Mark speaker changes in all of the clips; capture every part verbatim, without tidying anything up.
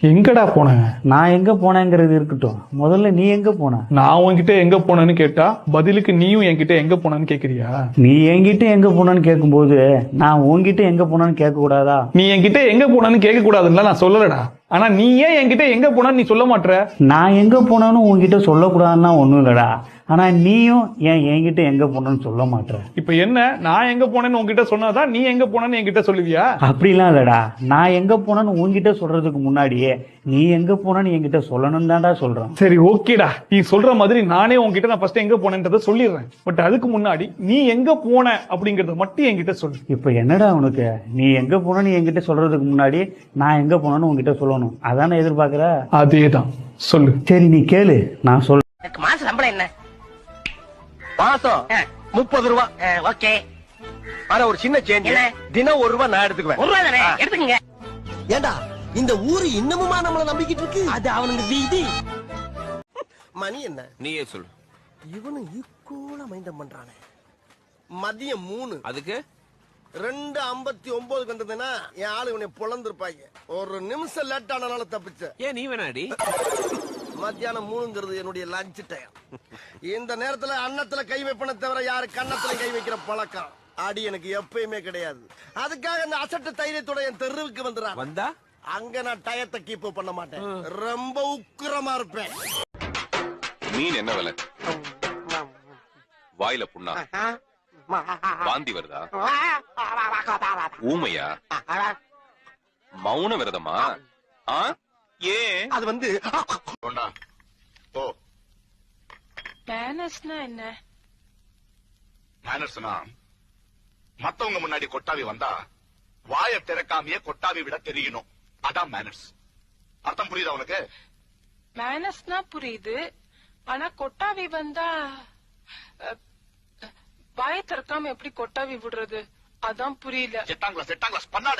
Speaker 1: எங்கடா போன?
Speaker 2: நான் எங்க போனேங்கிறது இருக்கட்டும், முதல்ல நீ எங்க போன?
Speaker 1: நான் உன்கிட்ட எங்க போனேன்னு கேட்டா பதிலுக்கு நீயும் என்கிட்ட எங்க போனேன்னு கேக்குறியா?
Speaker 2: நீ என்கிட்ட எங்க போனேன்னு கேட்கும்போது நான் உன்கிட்ட எங்க போனேன்னு கேட்க கூடாதா?
Speaker 1: நீ என்கிட்ட எங்க போனேன்னு கேட்க கூடாதுன்னு நான் சொல்லலடா. ஆனா நீ ஏன் என்கிட்ட எங்க போனான்னு நீ சொல்ல மாட்ற?
Speaker 2: நான் எங்க போனேன்னு உன்கிட்ட சொல்லக்கூடாதுன்னா ஒண்ணும் இல்லடா. ஆனா நீயும் ஏன் என்கிட்ட எங்க போனேன்னு சொல்ல மாட்ற?
Speaker 1: இப்ப என்ன, நான் எங்க போனேன்னு உன்கிட்ட சொன்னாதான் நீ எங்க போனேன்னு என்கிட்ட சொல்லுவியா?
Speaker 2: அப்படிலாம் இல்லடா. நான் எங்க போனேன்னு உன்கிட்ட சொல்றதுக்கு முன்னாடியே நீ எங்க போனேன்னு என்கிட்ட சொல்லணும் தான்டா சொல்றேன்.
Speaker 1: சரி ஓகேடா, நீ சொல்ற மாதிரி நானே உன்கிட்ட நான் ஃபர்ஸ்ட் எங்க போனேன்றதை சொல்லிடுறேன். பட் அதுக்கு முன்னாடி நீ எங்க போன அப்படிங்கறத மட்டும் என்கிட்ட சொல்லு.
Speaker 2: இப்ப என்னடா உனக்கு? நீ எங்க போனேன்னு என்கிட்ட சொல்றதுக்கு முன்னாடி நான் எங்க போனேன்னு உன்கிட்ட சொல்லணும், அதானே எதிர்பார்க்கற?
Speaker 1: அதேதான், சொல்லு.
Speaker 2: சரி நீ கேளு, நான் சொல்ல.
Speaker 3: மாச சம்பளம் என்ன?
Speaker 4: மாசம் முப்பது ரூபா.
Speaker 3: ஓகே.
Speaker 4: ஆனா ஒரு சின்ன சேஞ்ச், தினம் ஒரு ரூபா நான் எடுத்துக்குவேன்.
Speaker 3: ஒரு ரூபா தானே, எடுத்துக்கங்க.
Speaker 4: ஏண்டா இந்த ஊரு இன்னமுமா நம்மள நம்பிக்கிட்டு இருக்கு? அது அவனுக்கு வீதி. மணி என்ன?
Speaker 5: நீயே சொல்லு.
Speaker 4: இவனு ஈக்குவலா மைண்டம் பண்றானே. மதியம் மூணு,
Speaker 5: அதுக்கு
Speaker 4: ரெண்டு ஐம்பத்தி ஒன்பதுக்கு வந்ததுன்னா என் ஆளு இவனை பொழந்திருப்பாங்க. ஒரு நிமிஷம் லேட் ஆனால தப்பிச்ச.
Speaker 5: ஏன் நீ வேணாடி?
Speaker 4: மத்தியானம் மூணுங்கிறது என்னுடைய லஞ்ச் டைம். இந்த நேரத்துல அன்னத்துல கை வைப்பன தவிர யாரு கன்னத்துல கை வைக்கிற பழக்கம் அடி எனக்கு எப்பயுமே கிடையாது. அதுக்காக இந்த அசட்டு தைரியத்தோட என் தெருவுக்கு வந்துடுறான்.
Speaker 5: வந்தா
Speaker 4: அங்க நான் டயத்தை கீப் பண்ண மாட்டேன், ரொம்ப உக்கிரமா இருப்பேன்.
Speaker 6: மீன் என்ன விலை? வாயில புண்ணா? வாந்தி வருதா? ஊமையா? மௌன விரதமா? ஆ? ஏன்?
Speaker 4: அது வந்து
Speaker 7: மேனர்ஸ்னா என்ன?
Speaker 8: மேனர்ஸ்னா மத்தவங்க முன்னாடி கொட்டாவி வந்தா வாயை திறக்காமையே கொட்டாவி விட தெரியணும், அதான் மேனர்ஸ். அர்த்தம் புரியுதா உனக்கு?
Speaker 7: மேனர்ஸ்னா புரியுது, ஆனா கொட்டாவி வந்தா வாயை திறக்காம எப்படி கொட்டாவி விடுறது, அதான் புரியல.
Speaker 8: செட்டாங் கிளாஸ் செட்டாங் கிளாஸ் பண்ணாத.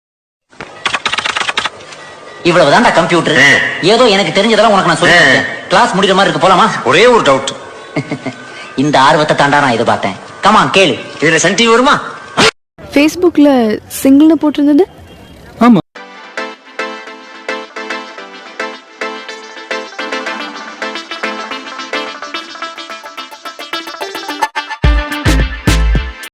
Speaker 3: இவ்வளவுதான்டா கம்ப்யூட்டர். ஏதோ எனக்கு தெரிஞ்சதெல்லாம் உனக்கு நான் சொல்லிட்டேன். கிளாஸ் முடிக்கிற மாதிரி இருக்கு, போலாமா?
Speaker 5: ஒரே ஒரு டவுட்.
Speaker 3: இந்த ஆர்வத்தை தாண்டா நான் எதிர்பார்த்தேன். கமான் கேளு. இதுல சன் டிவி வருமா?
Speaker 9: ஃபேஸ்புக்ல சிங்கிள்னு போட்டிருந்தது